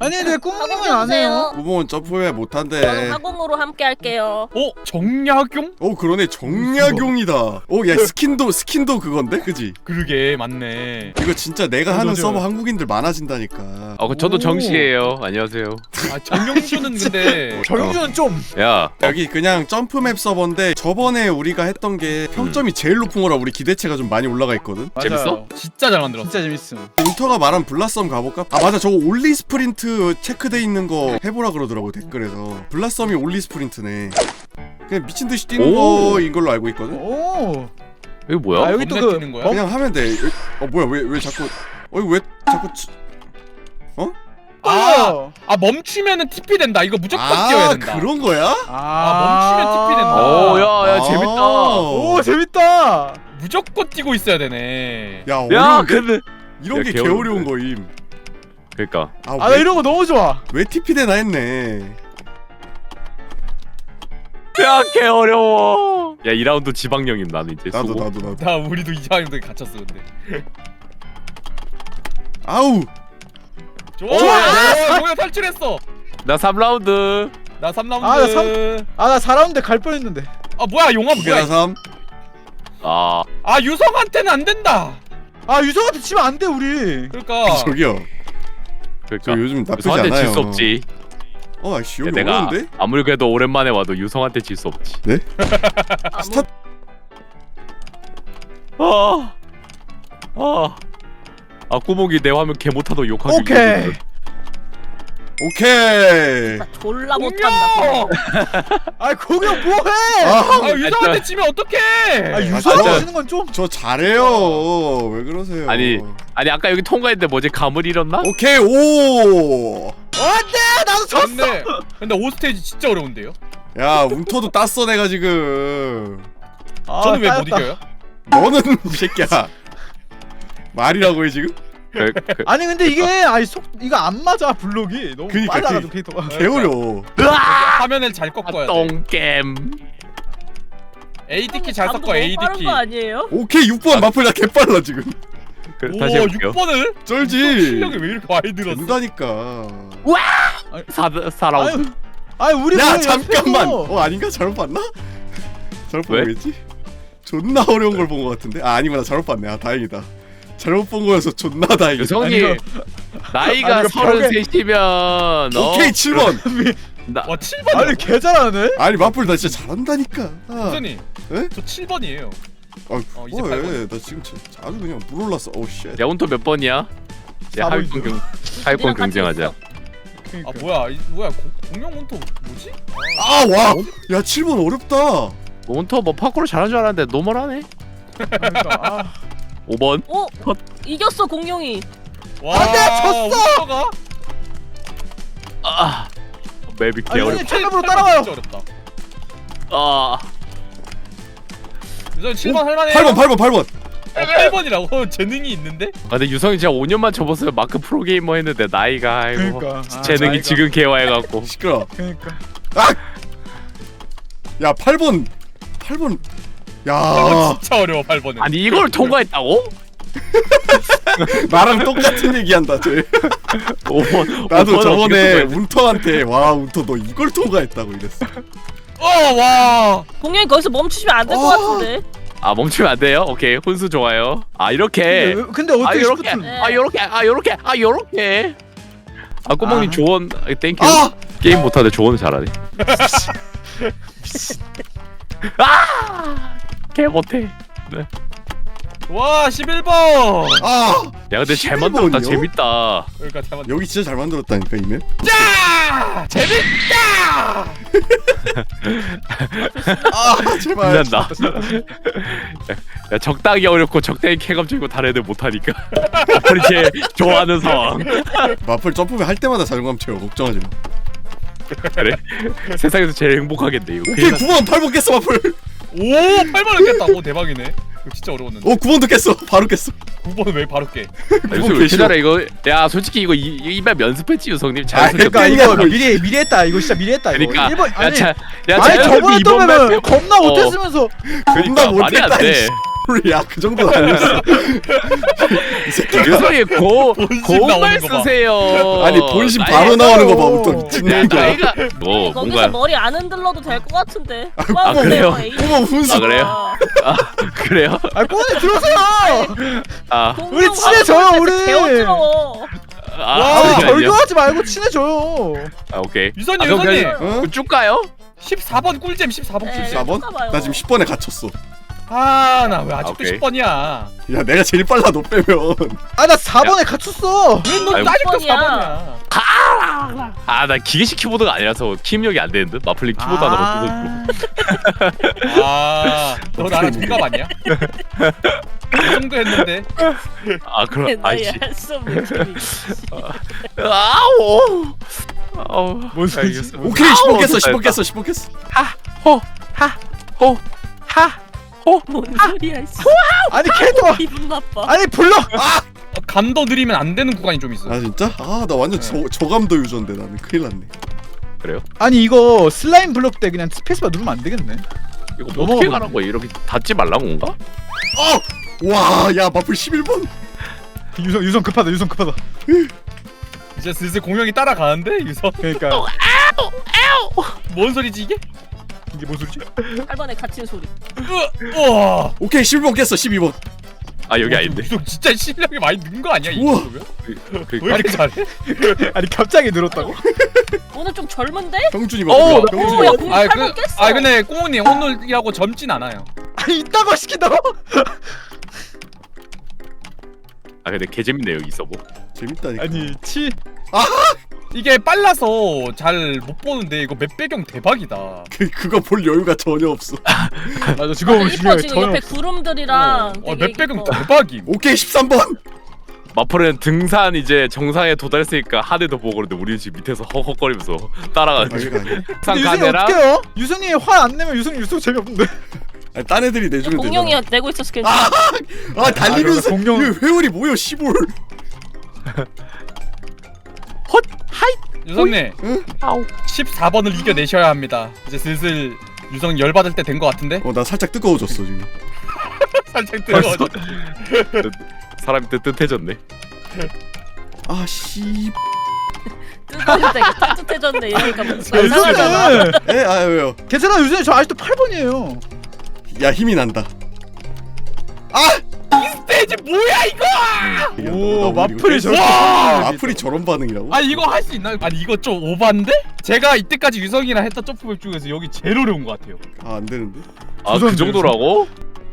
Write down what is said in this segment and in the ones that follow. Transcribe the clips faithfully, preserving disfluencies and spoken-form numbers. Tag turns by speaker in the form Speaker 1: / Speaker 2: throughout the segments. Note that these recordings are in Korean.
Speaker 1: 아니 왜 꿍꿍은
Speaker 2: 하공
Speaker 1: 안
Speaker 2: 해주세요.
Speaker 1: 해요?
Speaker 3: 구멍은 점프해 못한대.
Speaker 2: 저는 하공으로 함께 할게요.
Speaker 4: 어? 정약용?
Speaker 3: 어 그러네 정약용이다. 어야 스킨도 스킨도 그건데 그지?
Speaker 4: 그러게 맞네.
Speaker 3: 이거 진짜 내가
Speaker 1: 맞아,
Speaker 3: 하는
Speaker 1: 맞아.
Speaker 3: 서버 한국인들 많아진다니까.
Speaker 5: 어, 그 저도
Speaker 4: 오.
Speaker 5: 정씨예요. 안녕하세요.
Speaker 4: 아 정영준은 근데
Speaker 1: 정유주는 좀
Speaker 5: 야,
Speaker 3: 여기 그냥 점프맵 서버인데 저번에 우리가 했던 게 평점이 제일 높은 거라 우리 기대치가 좀 많이 올라가 있거든.
Speaker 5: 재밌어?
Speaker 4: 진짜 잘 만들었어.
Speaker 1: 진짜 재밌음.
Speaker 3: 인터가 말한 블라썸 가볼까? 아 맞아 저거 올리 스프린트 체크돼 있는 거 해보라 그러더라고 댓글에서. 블라썸이 올리 스프린트네. 그냥 미친듯이 뛰는
Speaker 5: 오.
Speaker 3: 거인 걸로 알고 있거든.
Speaker 1: 오.
Speaker 5: 이거 뭐야?
Speaker 1: 아 여기 또
Speaker 4: 겁나
Speaker 1: 그
Speaker 4: 뛰는 거야?
Speaker 1: 범-
Speaker 3: 그냥 하면 돼. 어 뭐야 왜 왜 자꾸 어 이거 왜 자꾸 치...
Speaker 4: 아, 아 멈추면은 티피 된다. 이거 무조건 뛰어야
Speaker 3: 아
Speaker 4: 된다.
Speaker 3: 그런 거야?
Speaker 4: 아, 멈추면 티피 된다.
Speaker 5: 오, 야, 야,
Speaker 3: 아.
Speaker 5: 재밌다.
Speaker 1: 오 재밌다.
Speaker 4: 무조건 뛰고 있어야 되네.
Speaker 3: 야
Speaker 5: 야,
Speaker 3: 어려운데?
Speaker 5: 근데
Speaker 3: 이런
Speaker 5: 야,
Speaker 3: 게
Speaker 5: 개어려운데.
Speaker 3: 개어려운 거임.
Speaker 5: 그러니까
Speaker 3: 아,
Speaker 1: 아 나
Speaker 3: 왜,
Speaker 1: 이런 거 너무 좋아.
Speaker 3: 왜 티피 되나 했네.
Speaker 5: 야, 개 어려워. 야, 이 라운드 지방령임 나는 이제.
Speaker 3: 나도
Speaker 5: 수고.
Speaker 3: 나도 나도.
Speaker 4: 나 우리도 이상형들 갇혔어 근데.
Speaker 3: 아우.
Speaker 4: 좋아.
Speaker 1: 좋아!
Speaker 4: 야, 뭐야 탈출했어.
Speaker 5: 나 삼 라운드.
Speaker 4: 나 삼 라운드.
Speaker 1: 아, 나 삼- 아 나 사 라운드 갈 뻔했는데.
Speaker 4: 아 뭐야 용암
Speaker 3: 두 개나
Speaker 4: 뭐야?
Speaker 3: 삼.
Speaker 5: 아,
Speaker 4: 아 유성한테는 안 된다.
Speaker 1: 아 유성한테 치면 안 돼 우리.
Speaker 4: 그러니까.
Speaker 3: 저기요. 저
Speaker 5: 그러니까.
Speaker 3: 요즘 나쁘지
Speaker 5: 유성한테
Speaker 3: 않아요.
Speaker 5: 질 수 없지.
Speaker 3: 어 아씨
Speaker 5: 야,
Speaker 3: 여기
Speaker 5: 내가
Speaker 3: 어려운데?
Speaker 5: 아무리 그래도 오랜만에 와도 유성한테 질 수 없지.
Speaker 2: 아무-
Speaker 3: 스타
Speaker 5: 아, 아, 아, 꾸목이 내 화면 개 못하도 욕하기.
Speaker 1: 오케이.
Speaker 5: 위해서는.
Speaker 3: 오케이.
Speaker 2: 나 졸라 못한다.
Speaker 1: 아 공룡 뭐해?
Speaker 3: 아,
Speaker 4: 아 유성한테 치면 어떡해?
Speaker 1: 아
Speaker 3: 진짜.
Speaker 1: 유성한테 치는 건 좀.
Speaker 3: 저 잘해요. 왜 그러세요?
Speaker 5: 아니, 아니 아까 여기 통과했는데 뭐지 감을 잃었나?
Speaker 3: 오케이 오.
Speaker 1: 안돼 나도 졌어.
Speaker 4: 근데 근데 오 스테이지 진짜 어려운데요?
Speaker 3: 야 운터도 땄어 내가 지금.
Speaker 1: 아,
Speaker 4: 저는 왜 못
Speaker 1: 따였다.
Speaker 4: 이겨요?
Speaker 3: 너는 이 새끼야. 말이라고 해 지금?
Speaker 5: 그, 그,
Speaker 1: 아니 근데 이게 아니 속 이거 안 맞아 블록이 너무
Speaker 3: 그니까,
Speaker 1: 빨라가지고
Speaker 3: 그-
Speaker 1: 캐릭터가.
Speaker 3: 개어려워.
Speaker 4: 화면을 잘
Speaker 5: 아,
Speaker 4: 꺾어야 돼.
Speaker 5: 똥겜.
Speaker 4: 에이디 키 잘
Speaker 2: 잠도
Speaker 4: 섞어
Speaker 2: 너무
Speaker 4: 에이디
Speaker 2: 빠른
Speaker 4: 키.
Speaker 2: 거 아니에요?
Speaker 3: 오케이 육 번 마플 나 개빨라 지금.
Speaker 5: 그,
Speaker 4: 오
Speaker 5: 다시 해볼게요.
Speaker 4: 육 번을?
Speaker 3: 쩔지.
Speaker 4: 실력이 왜 이렇게 많이 늘었어?
Speaker 3: 된다니까.
Speaker 5: 사, 사 라운드.
Speaker 1: 아니 우리
Speaker 3: 야
Speaker 1: 왜
Speaker 3: 잠깐만.
Speaker 1: 옆에서-
Speaker 3: 어 아닌가 잘못 봤나? 잘못
Speaker 5: 왜?
Speaker 3: 본 거겠지? 존나 어려운 걸 본 거 같은데. 아 아니구나 잘못 봤네. 아 다행이다. 잘못 본 거여서 존나 다행이다.
Speaker 5: 유성이
Speaker 1: 아니,
Speaker 5: 나이가
Speaker 1: 아니, 이거 벽에-
Speaker 5: 서른셋이면 어?
Speaker 3: 오케이 칠 번.
Speaker 5: 나,
Speaker 4: 와 칠 번.
Speaker 1: 아니 개 잘하네.
Speaker 3: 아니 마플 나 진짜 잘한다니까. 아,
Speaker 4: 선생님.
Speaker 3: 에?
Speaker 4: 저 칠 번이에요.
Speaker 3: 아
Speaker 4: 어, 이제 팔
Speaker 3: 뭐해?
Speaker 4: 번.
Speaker 3: 나 지금 진- 아주 그냥 물 올랐어. 오 쉣.
Speaker 5: 야 운터 몇 번이야? 야
Speaker 1: 사 번
Speaker 5: 하위권 경 하위권
Speaker 2: 우리랑 같이
Speaker 5: 경쟁하자.
Speaker 2: 있어.
Speaker 1: 그러니까.
Speaker 4: 아 뭐야 이, 뭐야 고, 공룡 몬토 뭐지?
Speaker 3: 아 와. 야 칠 번 어렵다.
Speaker 5: 운터 뭐 파쿠르 잘하는 줄 알았는데 노멀하네.
Speaker 1: 그러니까, 아.
Speaker 5: 오 번.
Speaker 2: 어? 이겼어 공룡이.
Speaker 4: 와
Speaker 1: 안 돼, 졌어!
Speaker 4: 몬토가
Speaker 5: 아, 맵이
Speaker 1: 아니,
Speaker 5: 개어렵.
Speaker 1: 형님 챔프로 따라와요.
Speaker 4: 진짜 어렵다.
Speaker 5: 아,
Speaker 4: 유성 칠 번 할만해요.
Speaker 3: 팔 번 팔 번 팔 번.
Speaker 4: 어, 팔 번이라고 재능이 있는데?
Speaker 5: 아 근데 유성이 진짜 오 년만 접었으면 마크 프로게이머 했는데 나이가 아이고
Speaker 1: 그러니까. 아,
Speaker 5: 재능이
Speaker 1: 나이가.
Speaker 5: 지금 개화해갖고.
Speaker 3: 시끄러.
Speaker 1: 그러니까.
Speaker 3: 야 팔 번. 팔 번.
Speaker 4: 팔
Speaker 3: 야
Speaker 4: 번 진짜 어려워 팔 번은.
Speaker 5: 아니 이걸 통과했다고?
Speaker 3: 나랑 똑같은 얘기한다 쟤.
Speaker 5: 오 번.
Speaker 3: 나도 저번에 운터한테 와 운터 너 이걸 통과했다고 이랬어.
Speaker 4: 어 와.
Speaker 2: 공룡이 거기서 멈추시면 안 될 것
Speaker 3: 어.
Speaker 2: 같은데.
Speaker 5: 아 멈추면 안 돼요? 오케이 혼수 좋아요. 아
Speaker 1: 근데,
Speaker 5: 이렇게.
Speaker 1: 왜- 근데
Speaker 5: 아
Speaker 1: 어떻게
Speaker 5: 요렇게.
Speaker 1: 시프트?
Speaker 5: 아 요렇게. 아 요렇게. 아 요렇게. 아 꼬멍님
Speaker 1: 아.
Speaker 5: 조언 아, 땡큐.
Speaker 3: 아
Speaker 5: 게임 못하는데 조언을 잘하네. 아! 개 못해.
Speaker 4: 와 십일 번.
Speaker 3: 아.
Speaker 5: 야 근데 잘
Speaker 3: 십일
Speaker 5: 만들었다.
Speaker 3: 번이요?
Speaker 5: 재밌다.
Speaker 4: 그러니까 잘 맞.
Speaker 3: 여기 진짜 잘 만들었다니까 이메.
Speaker 4: 짜! 재밌다.
Speaker 3: 아 제발.
Speaker 5: 빛난다. 야 적당히 어렵고 적당히 쾌감적이고 다른 애들 못하니까. 우리 제일 좋아하는 상황.
Speaker 3: 마플 점프맨 할 때마다 자존감 채워 걱정하지 마.
Speaker 5: 그래? 세상에서 제일 행복하겠네 이거.
Speaker 3: 오케이 구 번 팔 번 깼어 마플.
Speaker 4: 오 팔 번을 깼다. 오 대박이네. 이거 진짜 어려웠는데.
Speaker 3: 어 구 번도 깼어. 바로 깼어.
Speaker 4: 구 번은 왜 바로 깨?
Speaker 5: 요새 왜 이렇게 잘해 이거. 야 솔직히 이거 이, 이맵 연습했지 유성님.
Speaker 3: 아,
Speaker 5: 자연스럽게.
Speaker 1: 그러니까
Speaker 3: 그러니까
Speaker 1: 이거
Speaker 3: 이거-
Speaker 1: 미리 미리 했다. 이거 진짜 미리 했다. 이거.
Speaker 5: 그러니까
Speaker 1: 일 번,
Speaker 5: 야,
Speaker 1: 아니
Speaker 5: 자, 야
Speaker 1: 아니
Speaker 5: 자연스럽게
Speaker 1: 저번에
Speaker 5: 이번
Speaker 1: 떠면
Speaker 5: 맵
Speaker 1: 겁나
Speaker 5: 어.
Speaker 1: 못했으면서.
Speaker 3: 겁나
Speaker 5: 그러니까 말이 안
Speaker 3: 못했다.
Speaker 5: 돼.
Speaker 3: 이씨. 소리야? 그 정도는 아니었어. 이 새끼가
Speaker 5: 유성이 고
Speaker 4: 본심
Speaker 5: 고말
Speaker 4: 나오는 거 봐.
Speaker 5: 쓰세요.
Speaker 3: 아니 본심
Speaker 5: 나이-
Speaker 3: 바로 나오는 거 봐부터 미친
Speaker 5: 야,
Speaker 3: 놈이야.
Speaker 5: 나이가 뭐
Speaker 2: 거기서
Speaker 5: 뭔가
Speaker 2: 머리 안 흔들러도 될 것 같은데.
Speaker 5: 아, 그래요?
Speaker 3: 어머 훈수.
Speaker 5: 아, 그래요? 아 그래요?
Speaker 1: 아 꼬니 들어오세요.
Speaker 5: 아,
Speaker 1: 우리 친해져요, 우리.
Speaker 2: 개어지러워.
Speaker 5: 아,
Speaker 1: 아 우리
Speaker 5: 잠시만요.
Speaker 1: 절교하지 말고 친해져요.
Speaker 5: 아 오케이.
Speaker 4: 유선이,
Speaker 5: 아, 그럼
Speaker 4: 유선이.
Speaker 5: 그냥
Speaker 3: 어?
Speaker 5: 그럼 쭉 가요?
Speaker 4: 십사 번 꿀잼 십사 번
Speaker 2: 네.
Speaker 4: 꿀잼.
Speaker 3: 사 번?
Speaker 2: 봐봐요.
Speaker 3: 나 지금 십 번에 갇혔어.
Speaker 4: 아 나 왜 아직도
Speaker 5: 오케이.
Speaker 4: 십 번이야?
Speaker 3: 야 내가 제일 빨라 너 빼면.
Speaker 1: 아 나 사 번에 갇혔어.
Speaker 4: 왜너
Speaker 5: 아이고.
Speaker 4: 아직도
Speaker 2: 번이야.
Speaker 4: 사 번이야?
Speaker 5: 아 나 기계식 키보드가 아니라서 키 입력이 안 되는데 마플링 키보드 하나만 뜯어주고.
Speaker 4: 아너 나랑 동갑 아니야? 이 정도 했는데.
Speaker 5: 아 그럼
Speaker 2: 나이
Speaker 5: 아이씨.
Speaker 2: 할수 없는 소리.
Speaker 5: 아오. 아우.
Speaker 1: 뭔 소리지?
Speaker 5: 알겠어.
Speaker 3: 오케이 십 번
Speaker 5: 아우,
Speaker 3: 깼어
Speaker 5: 됐다,
Speaker 3: 십 번
Speaker 5: 됐다.
Speaker 3: 깼어 십 번 깼어.
Speaker 5: 호호하호하
Speaker 2: 뭔 소리야 씨.
Speaker 1: 아니 걔도
Speaker 2: 기분 나빠.
Speaker 1: 아니 불러.
Speaker 4: 어, 감도 느리면 안 되는 구간이 좀 있어.
Speaker 3: 아 진짜? 아 나 완전 저, 저감도 유저인데 나는 큰일 났네.
Speaker 5: 그래요?
Speaker 1: 아니 이거 슬라임 블록 때 그냥 스페이스바 누르면 안 되겠네.
Speaker 5: 이거 뭐 어떻게
Speaker 1: 넘어가면-
Speaker 5: 가는 거야? 이렇게 닫지 말라고 건가?
Speaker 3: 어! 와야 마플 십일 번.
Speaker 1: 유성 유성 급하다 유성 급하다.
Speaker 4: 이제 슬슬 공룡이 따라가는데 유선.
Speaker 1: 그러니까
Speaker 4: 뭔 소리지 이게?
Speaker 1: 이게 뭔 소리지?
Speaker 2: 팔 번에 갇힌 소리.
Speaker 4: 으, 우와.
Speaker 3: 오케이 십일 번 깼어 십이 번.
Speaker 5: 아 여기 아닌데.
Speaker 4: 유선 진짜 실력이 많이 는 거 아니야 이
Speaker 3: 우와.
Speaker 4: 정도면?
Speaker 5: 그,
Speaker 4: 왜 이렇게 잘해?
Speaker 1: 아니 갑자기 늘었다고?
Speaker 2: 오늘 좀 젊은데?
Speaker 3: 형준이
Speaker 5: 어,
Speaker 3: 봐.
Speaker 5: 나-
Speaker 2: 오, 야, 공룡
Speaker 4: 아,
Speaker 2: 팔
Speaker 4: 그,
Speaker 2: 번 깼어.
Speaker 4: 아 근데 꼬우님 오늘이라고 젊진 않아요.
Speaker 1: 아니 이따가 시킨다고?
Speaker 5: 아 근데 개 재밌네 여기 있어 뭐.
Speaker 3: 재밌다니까.
Speaker 1: 아니 치
Speaker 4: 이게 빨라서 잘 못 보는데 이거 맵 배경 대박이다.
Speaker 3: 그 그거 볼 여유가 전혀 없어.
Speaker 1: 맞아 지금
Speaker 2: 맞아, 이뻐 지금 옆에 구름들이랑.
Speaker 4: 어,
Speaker 2: 되게
Speaker 4: 맵 배경
Speaker 2: 이뻐.
Speaker 4: 대박임.
Speaker 3: 오케이 십삼 번.
Speaker 5: 마플은 등산 이제 정상에 도달했으니까 하늘도 보고 그러는데 우리는 지금 밑에서 헉헉거리면서 따라가는
Speaker 3: 아, 이거 아니야?
Speaker 5: 상
Speaker 1: 근데 유성이
Speaker 5: 카메라.
Speaker 1: 어떡해요? 유성이 화 안 내면 유성이 유성 재미없는데.
Speaker 3: 아니, 딴 애들이 내주면
Speaker 2: 공룡이
Speaker 3: 되잖아.
Speaker 2: 내고 있었을 괜찮아.
Speaker 3: 아 달리면서
Speaker 1: 아, 공룡-
Speaker 3: 이거 회오리 뭐여 시골.
Speaker 5: 헛 하이.
Speaker 4: 유성님
Speaker 3: 응?
Speaker 5: 아우.
Speaker 4: 십사 번을 이겨내셔야 합니다. 이제 슬슬 유성 열 받을 때 된 것 같은데?
Speaker 3: 어 나 살짝 뜨거워졌어 지금.
Speaker 4: 살짝 뜨거워.
Speaker 5: 사람이 뜨뜻해졌네.
Speaker 3: 아 씨.
Speaker 2: 뜨거울 때 따뜻해졌네 이러니까 뭔가 이상하잖아.
Speaker 1: 유성은
Speaker 3: 에? 아 왜요?
Speaker 1: 괜찮아 유성이 저 아직도 팔 번이에요.
Speaker 3: 야 힘이 난다.
Speaker 4: 스테이지 뭐야 이거?
Speaker 3: 야,
Speaker 1: 오
Speaker 3: 나
Speaker 1: 마플이
Speaker 3: 이거
Speaker 1: 저렇게.
Speaker 3: 와 마플이 저런 반응이라고?
Speaker 4: 아니 이거 할 수 있나요? 아니 이거 좀 오반데? 제가 이때까지 유성이랑 했던 점프맵 중에서 여기 제일 어려운 것 같아요.
Speaker 3: 아 안 되는데?
Speaker 5: 아 그
Speaker 1: 조선들.
Speaker 5: 정도라고?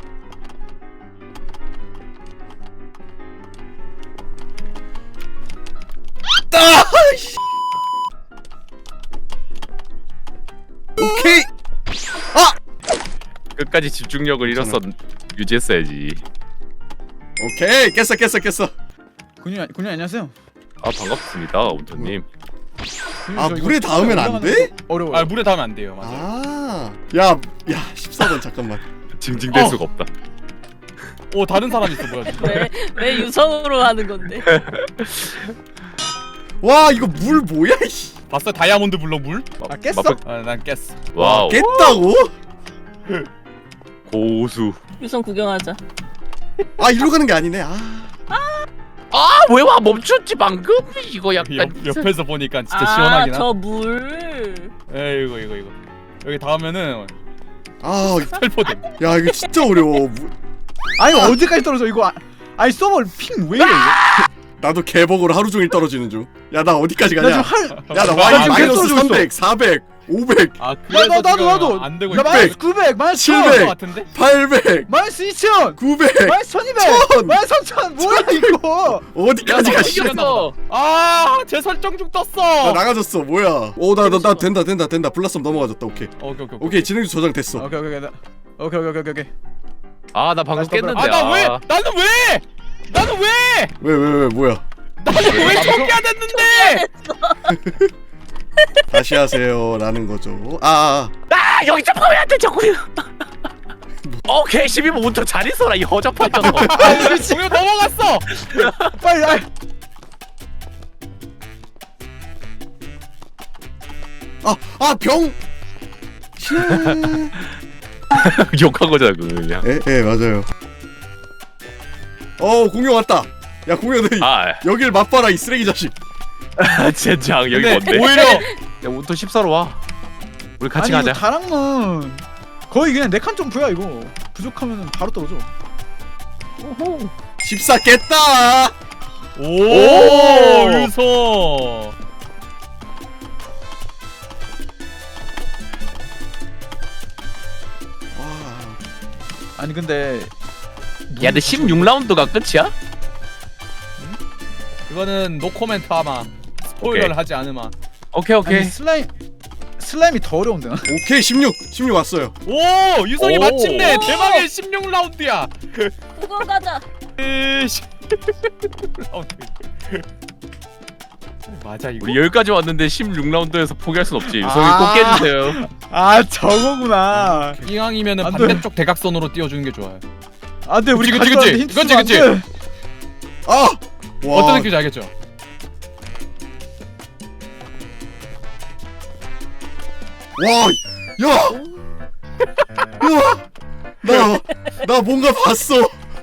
Speaker 3: 오케이.
Speaker 5: 끝까지 집중력을 잃었어 유지했어야지.
Speaker 3: 오케이 깼어 깼어 깼어.
Speaker 1: 군인 군인 안녕하세요.
Speaker 5: 아 반갑습니다 온천님.
Speaker 1: 군인,
Speaker 3: 아
Speaker 1: 저 이거
Speaker 3: 물에 닿으면 안 돼?
Speaker 1: 어려워.
Speaker 4: 아 물에 닿으면 안 돼요. 맞아.
Speaker 3: 아. 야, 야 십사 번 잠깐만.
Speaker 5: 징징댈
Speaker 4: 어.
Speaker 5: 수가 없다.
Speaker 4: 오 다른 사람 있어 뭐야? 지금.
Speaker 2: 왜왜 유성으로 하는 건데?
Speaker 3: 와 이거 물 뭐야 이씨.
Speaker 4: 봤어 다이아몬드 블록 물?
Speaker 1: 아 깼어?
Speaker 5: 마플-
Speaker 4: 아난 깼어.
Speaker 5: 와우.
Speaker 3: 깼다고?
Speaker 5: 고수.
Speaker 2: 유성 구경하자.
Speaker 3: 아 이리로 가는 게 아니네. 아.
Speaker 5: 아왜 와 멈췄지 방금? 이거 약간.
Speaker 4: 옆, 옆에서 보니까 진짜
Speaker 2: 아,
Speaker 4: 시원하긴 하다.
Speaker 2: 저 물.
Speaker 4: 에이 이거 이거 이거 여기 닿으면은
Speaker 3: 아,
Speaker 4: 살포됨.
Speaker 3: 야 이거 진짜 어려워. 물-
Speaker 1: 아니 어디까지 떨어져 이거? 아, 아니 서버 핑왜 이래? 이거?
Speaker 3: 나도 개버그로 하루 종일 떨어지는 중. 야 나 어디까지
Speaker 1: 나
Speaker 3: 가냐?
Speaker 1: 지금 할.
Speaker 3: 야 나
Speaker 1: 나
Speaker 3: 와이
Speaker 1: 지금
Speaker 3: 마이너스
Speaker 1: 계속
Speaker 3: 삼백, 사백, 오백,
Speaker 4: 아
Speaker 1: 야,
Speaker 4: 그래서
Speaker 1: 나, 나도
Speaker 4: 지금
Speaker 1: 나도
Speaker 4: 안 되고
Speaker 1: 나
Speaker 4: 있다.
Speaker 1: 마이너스 구백, 마이너스
Speaker 3: 칠백.
Speaker 1: 천,
Speaker 4: 것 같은데?
Speaker 3: 팔백,
Speaker 1: 마이너스 이천,
Speaker 3: 구백.
Speaker 1: 마이너스 천이백,
Speaker 3: 천.
Speaker 1: 마이너스 삼천. 뭐야 이거?
Speaker 3: 어디까지 가? 씨.
Speaker 5: 이겼어.
Speaker 4: 아제 설정 중 떴어.
Speaker 3: 나 나가졌어. 뭐야? 오나 나 나 된다 된다 된다. 블라썸 넘어가졌다. 오케이.
Speaker 4: 오케이 오케이 오케이.
Speaker 3: 오케이 진행주 저장됐어.
Speaker 1: 오케이 오케이 오케이 오케이 오케이 오케이 오케이.
Speaker 5: 아 나 방금
Speaker 1: 다시
Speaker 5: 깼는데.
Speaker 1: 떠들어.
Speaker 4: 아나 왜? 나는 왜? 나는 왜?
Speaker 3: 왜 왜 왜 뭐야?
Speaker 4: 나는 왜 초기화 됐는데?
Speaker 3: 다시 하세요라는 거죠. 아, 아.
Speaker 5: 아 여기 점프하면 안돼 자꾸. 오케이 십이 번 운터 잘 있어라 이 허접한 녀석.
Speaker 4: 아 공연 넘어갔어.
Speaker 1: 빨리. 아이.
Speaker 3: 아, 아 병.
Speaker 5: 욕한 거잖아 그거 그냥.
Speaker 3: 예, 예 맞아요. 어 공룡 왔다. 야 공룡 너
Speaker 5: 아
Speaker 3: 여길 맛봐라 이 쓰레기 자식.
Speaker 5: 젠장 여기
Speaker 4: 근데
Speaker 5: 뭔데?
Speaker 4: 오히려
Speaker 5: 야 우리 십사로 와. 우리 같이
Speaker 1: 아니
Speaker 5: 가자.
Speaker 1: 이거 다랑은 거의 그냥 네 칸 점프야 이거. 부족하면 바로 떨어져.
Speaker 3: 십사 깼다.
Speaker 4: 오,
Speaker 5: 오!
Speaker 4: 유성.
Speaker 3: 와.
Speaker 1: 아니 근데
Speaker 5: 야 근데 십육 라운드가 끝이야?
Speaker 4: 이거는 노 코멘트 하마. 스포일러를
Speaker 5: 오케이.
Speaker 4: 하지 않으마.
Speaker 5: 오케이 오케이.
Speaker 1: 아니 슬라임 슬라임이 더 어려운데.
Speaker 3: 오케이 십육 십육 왔어요.
Speaker 4: 오, 유성이
Speaker 5: 오.
Speaker 4: 마침내
Speaker 2: 오.
Speaker 4: 대망의 십육 라운드야.
Speaker 2: 그거 가자.
Speaker 4: 에이씨. 라운드. 맞아 이거.
Speaker 5: 우리 여기까지 왔는데 십육 라운드에서 포기할 순 없지. 유성이
Speaker 1: 아.
Speaker 5: 꼭 깨주세요.
Speaker 1: 아 저거구나.
Speaker 4: 이왕이면은
Speaker 1: 안 돼.
Speaker 4: 반대쪽 대각선으로 띄워주는 게 좋아요.
Speaker 1: 안돼 우리
Speaker 4: 그치, 그치,
Speaker 1: 가져왔는데
Speaker 4: 그치.
Speaker 1: 힌트
Speaker 4: 그치,
Speaker 1: 주면 안 돼.
Speaker 3: 아. 와.
Speaker 4: 어떤 느낌인지 알겠죠?
Speaker 3: 와. 야. 야. 나. 나 뭔가 봤어.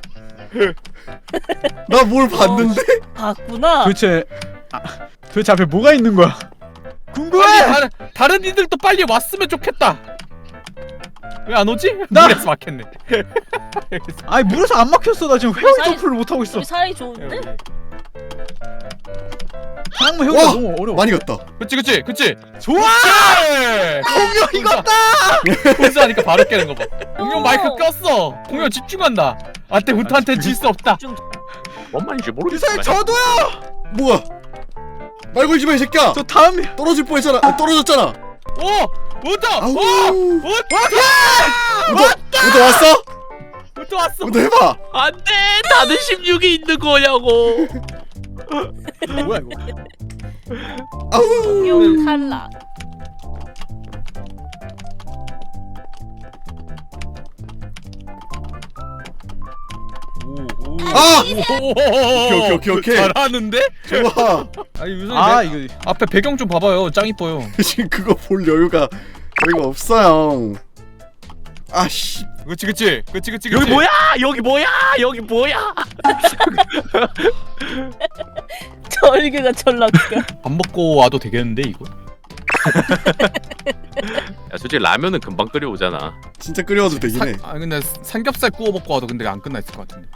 Speaker 3: 나 뭘 봤는데?
Speaker 2: 봤구나.
Speaker 1: 도대체 아, 도대체 앞에 뭐가 있는 거야? 궁금해.
Speaker 4: 빨리 다른 다른 이들도 빨리 왔으면 좋겠다. 왜 안 오지?
Speaker 1: 나-
Speaker 4: 물에서 막혔네.
Speaker 1: 아니 물에서 안 막혔어. 나 지금 회오리
Speaker 2: 사이-
Speaker 1: 점프를 못 하고 있어.
Speaker 2: 우리 사이 좋은데?
Speaker 1: 다랑문 회오리가
Speaker 3: 와,
Speaker 1: 너무 어려워.
Speaker 3: 많이 갔다.
Speaker 4: 그치 그치 그치.
Speaker 1: 좋아. 공룡 이겼다.
Speaker 4: 혼자 하니까 바로 깨는 거 봐. 공룡
Speaker 2: 오.
Speaker 4: 마이크 꼈어. 공룡 집중한다. 안돼 후타한테 질 수 없다.
Speaker 5: 뭔 말인지
Speaker 1: 유사히
Speaker 5: 모르겠어.
Speaker 1: 저도요.
Speaker 3: 뭐야? 말 걸지 마 이 새끼야.
Speaker 1: 저 다음
Speaker 3: 떨어질 뻔했잖아. 아, 떨어졌잖아.
Speaker 4: 오! 우타!
Speaker 3: 아우.
Speaker 4: 오! 우타!
Speaker 3: 우도 우도 왔어?
Speaker 4: 우타 왔어.
Speaker 3: 우도 해봐.
Speaker 5: 안돼 다들 십육이 있는 거냐고.
Speaker 1: 뭐야 이거?
Speaker 3: 아우.
Speaker 2: 공룡 탈락.
Speaker 3: 아.
Speaker 4: 오케이
Speaker 3: 오케이, 오케이, 오케이.
Speaker 4: 잘하는데?
Speaker 3: 좋아.
Speaker 4: 아니 유선이
Speaker 1: 아
Speaker 4: 내-
Speaker 1: 이거
Speaker 4: 앞에 배경 좀 봐봐요. 짱 이뻐요.
Speaker 3: 지금 그거 볼 여유가 여유가 없어요. 아씨.
Speaker 4: 그치 그치 그치 그치.
Speaker 5: 여기
Speaker 4: 그치.
Speaker 5: 뭐야? 여기 뭐야? 여기 뭐야?
Speaker 2: 저 얼굴가 졸라 웃겨.
Speaker 4: 밥 먹고 와도 되겠는데 이거?
Speaker 5: 야 솔직히 라면은 금방 끓여오잖아.
Speaker 3: 진짜 끓여와도 되긴 해.
Speaker 4: 아 근데 삼겹살 구워 먹고 와도 근데 안 끝나 있을 것 같은데.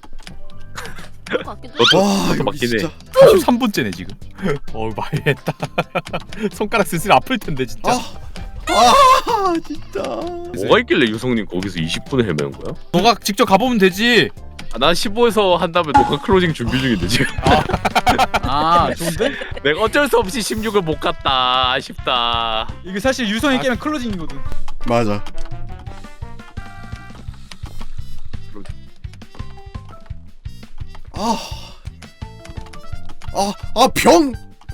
Speaker 2: 같기도
Speaker 5: 너도
Speaker 3: 와
Speaker 5: 너도
Speaker 3: 여기
Speaker 5: 맞긴 해.
Speaker 3: 진짜.
Speaker 4: 삼십삼 분째네 지금. 어 많이했다. 손가락 슬슬 아플 텐데 진짜.
Speaker 3: 아. 아 진짜.
Speaker 5: 뭐가 있길래 유성님 거기서 이십 분을 헤매는 거야?
Speaker 4: 너가 직접 가보면 되지.
Speaker 5: 아, 난 십오에서 한 다음에 녹화 클로징 준비 중인데 지금.
Speaker 1: 아 좋은데?
Speaker 5: 내가 어쩔 수 없이 십육을 못 갔다. 아쉽다.
Speaker 1: 이게 사실 유성이
Speaker 4: 아.
Speaker 1: 깨면 클로징이거든.
Speaker 3: 맞아. 아. 아, 아 병.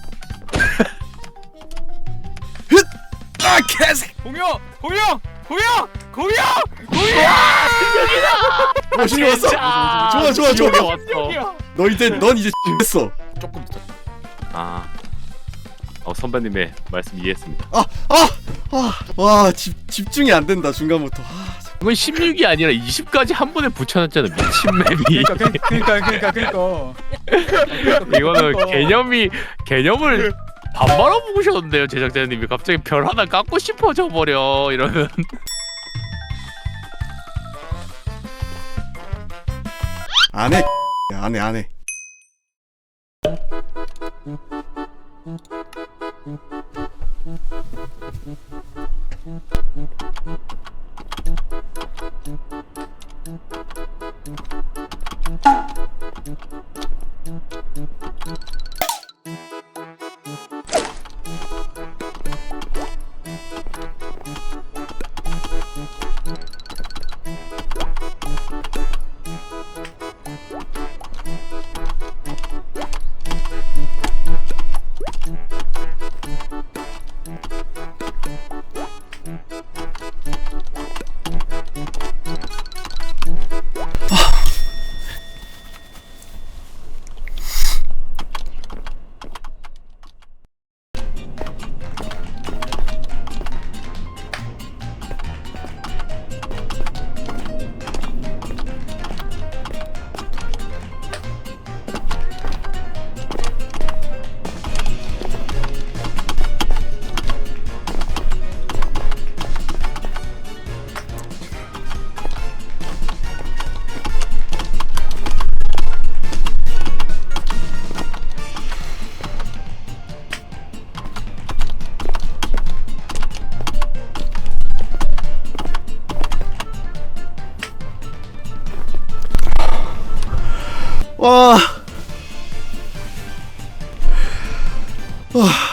Speaker 3: 흣. 아 개새.
Speaker 4: 공룡! 공룡! 공룡! 공룡! 공룡!
Speaker 3: 멋있게 왔어. 좋아, 좋아, 좋아.
Speaker 5: 지옥에 왔어.
Speaker 3: 너 이제 넌 이제 했어.
Speaker 4: 조금 있어.
Speaker 5: 아. 어 선배님의 말씀 이해했습니다.
Speaker 3: 아, 아, 아, 와 집 집중이 안 된다 중간부터. 아,
Speaker 5: 이건 십육이 아니라 이십까지 한 번에 붙여놨잖아 미친 맵이.
Speaker 1: 그러니까 그러니까 그러니까 그러니까.
Speaker 5: 이거는 개념이 개념을 반말아 보셨는데요 제작자님이 갑자기 별 하나 깎고 싶어져 버려 이러면.
Speaker 3: 안 해. 안 해, 안 해. 와. 와.